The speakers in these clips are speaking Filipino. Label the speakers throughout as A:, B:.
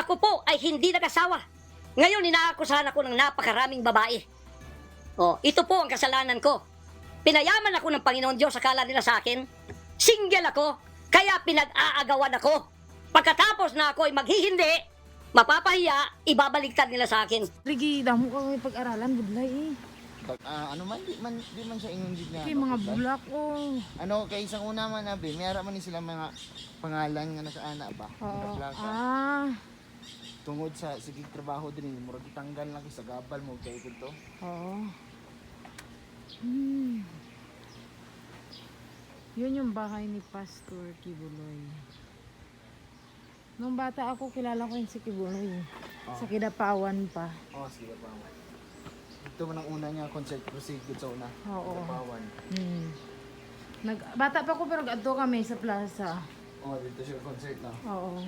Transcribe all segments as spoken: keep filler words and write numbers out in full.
A: Ako po ay hindi nag-asawa. Ngayon, inaakusahan ako ng napakaraming babae. Oh, ito po ang kasalanan ko. Pinayaman ako ng Panginoon Diyos, akala nila sa akin. Single ako, kaya pinag-aagawan ako. Pagkatapos na ako ay maghihindi, mapapahiya, ibabaliktad nila sa akin.
B: Rigi, damo ka may pag-aralan, budlay eh.
C: Pag, ah, ano man, di man, di man siya ingundig na.
B: Kay mga bulak oh.
C: Ano, kay isang una man abi, mayara man ni sila mga pangalan nga nasa ana ba?
B: Oo.
C: Nakaplaka.
B: Ah.
C: Tungod sa sige trabaho din, murag itanggal lang sa gabal mo kay to.
B: Oo. Hmm. Yun yung bahay ni Pastor Kibuloy. Nung bata ako, kilala ko yun si Kibuloy.
C: Oh.
B: Sa Kidapawan pa.
C: Oh, sige pa. Ito man ang una niya concert proceed sa una.
B: Oo.
C: Kapawan.
B: Hmm. Nag, bata pa ako pero adto kami sa plaza.
C: Oh, dito siya concert na.
B: Oo.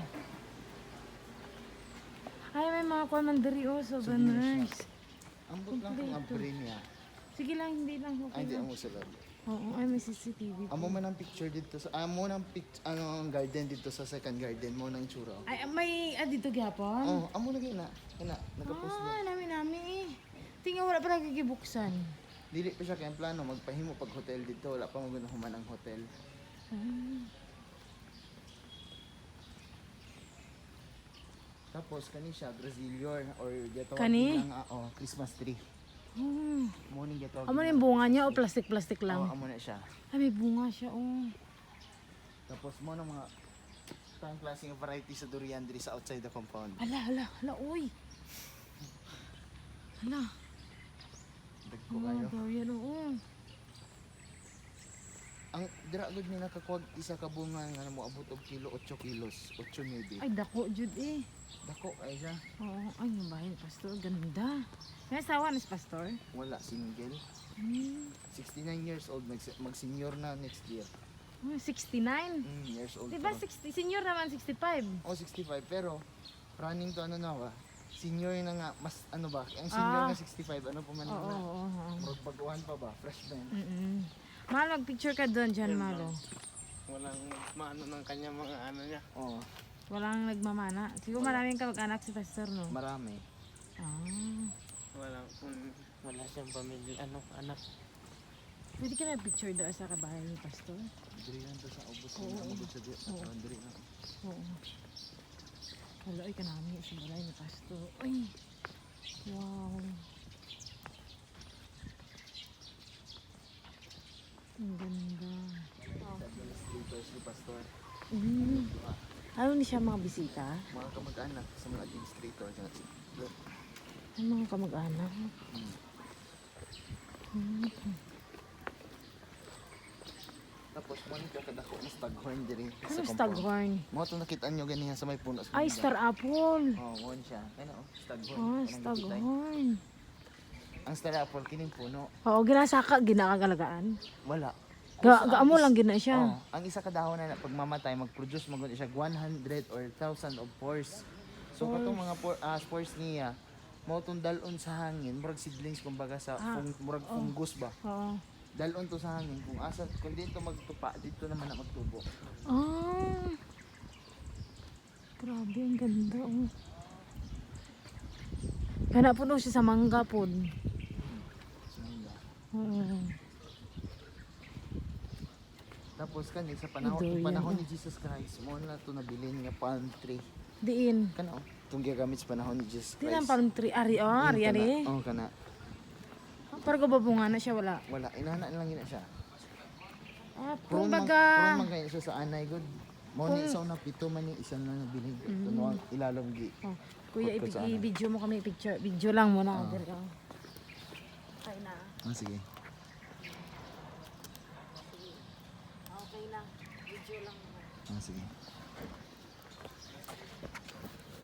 B: Ay, may mga kwan man diri oh, so
C: Souvenirs
B: banners.
C: Ambot lang kung
B: Kompleto.
C: abri niya.
B: Sige lang, hindi lang.
C: Ay,
B: Okay
C: hindi
B: lang.
C: amo sila.
B: Oo, ay may C C T V.
C: Amo man ang picture dito sa amo nang pic ano ang garden dito sa second garden mo nang itsura.
B: Ay, may ah, dito gyapon.
C: Oh, amo lagi na. Kana, nagapost na.
B: Ah, nami nami eh. Tingnan wala pa nagkikibuksan.
C: Dili pa siya kay plano magpahimo pag hotel dito, wala pa mo human ang hotel.
B: Ah.
C: Tapos kani siya Brazilian or gato
B: Kani?
C: lang ah, oh, Christmas tree.
B: Oh.
C: Mo ning gato.
B: Amo na yung bunga niya o plastic-plastic
C: Oh,
B: lang?
C: amo na siya.
B: Ay, may bunga siya oh.
C: Tapos mo na mga tang klaseng variety sa durian diri sa outside the compound.
B: Ala, ala, ala, uy. Ala.
C: Dagko
B: Oh,
C: kayo.
B: Dorian, oo.
C: Ang dira gud ni nakakuha isa ka bunga nga mo abot og kilo eight kilos, eight maybe.
B: Ay, dako, Jud eh.
C: Dako ay siya.
B: Oo, ay, yung bahay ni Pastor, ganda. May asawa ni Pastor?
C: Wala single.
B: Hmm.
C: sixty-nine years old mag, mag senior na next year.
B: Oh, sixty-nine.
C: Mm, years old.
B: Diba
C: pa.
B: sixty? Senior naman sixty-five.
C: Oh, sixty-five pero running to ano na ba? Senior na nga mas ano ba? Ang senior
B: Ah.
C: na sixty-five ano pa man
B: Oo,
C: na?
B: oo, oo.
C: Murag baguhan pa ba? Freshman.
B: Mm-mm. Mahal, mag-picture ka doon dyan, Malo.
D: Walang maano ng kanya mga ano niya.
C: Oh,
B: Walang nagmamana. Siguro maraming kamag-anak si Pastor, no?
C: marami.
B: Ah.
D: Walang um, wala siyang pamilya ano anak.
B: Pwede ka na picture doon sa kabahay ni Pastor?
C: Diri lang to sa ubos
B: Oo.
C: na magud sa di.
B: Oo.
C: Oh, diri na.
B: Oo. Hala, ay kanami sa balay ni Pastor. Ay! Wow! Ang ganda.
C: Administrators ni pastor.
B: Mm. Ano ni siya mga bisita?
C: Mga kamag-anak sa mga administrator nga si.
B: Ay, mga kamag-anak. Mm.
C: Tapos mo ni kakadako na staghorn diri
B: Ano staghorn?
C: Mo to nakita nyo ganihan sa may puno sa
B: Ay,
C: banda.
B: star apple!
C: Oh, mo siya. Ano, staghorn.
B: Ah,
C: Kanang gitay.
B: staghorn.
C: Ang star apple kining puno.
B: Oo, ginasaka, ginakagalagaan.
C: Wala.
B: Ga,
C: Usa
B: ga
C: ang
B: mo
C: is-
B: lang gina siya.
C: Oh, ang isa ka dahon na pag mamatay mag-produce magud siya one hundred or one thousand of pores. So katong mga por, ah, spores niya mao tong dalon sa hangin, murag seedlings kumbaga sa
B: Ah,
C: fung, murag
B: oh.
C: fungus ba.
B: Oo.
C: Dalon to sa hangin kung asa kung dito magtupa dito naman na magtubo.
B: Ah. Grabe, ang ganda. Oh. Kana po siya sa mangga po.
C: So, yun.
B: Oo.
C: Tapos kani sa panahon
B: Ito,
C: yung panahon
B: yan,
C: ni Jesus Christ mo na to nabilin nga palm tree.
B: Diin.
C: Kana oh, itong gigamit sa panahon ni Jesus
B: Di
C: Christ.
B: lang palm tree. Ari, oh, ari,
C: Kana-
B: ari.
C: Oh, kana.
B: Pero babunga na siya, wala.
C: Wala, inana lang yun na siya.
B: Ah,
C: Purong man,
B: kumbaga.
C: purong man kayo siya sa anay good. Mo ni
B: Kung-
C: isaw na pito man ni isa na nabiling.
B: Mm.
C: Ito no ilalom gi.
B: Oh, kuya,
C: Pagkat sa
B: i- i-video mo kami picture. Video lang muna.
C: Ah.
B: Diri ka. Okay na.
C: Ah, sige.
B: Okay lang. Video lang muna.
C: Ah, sige.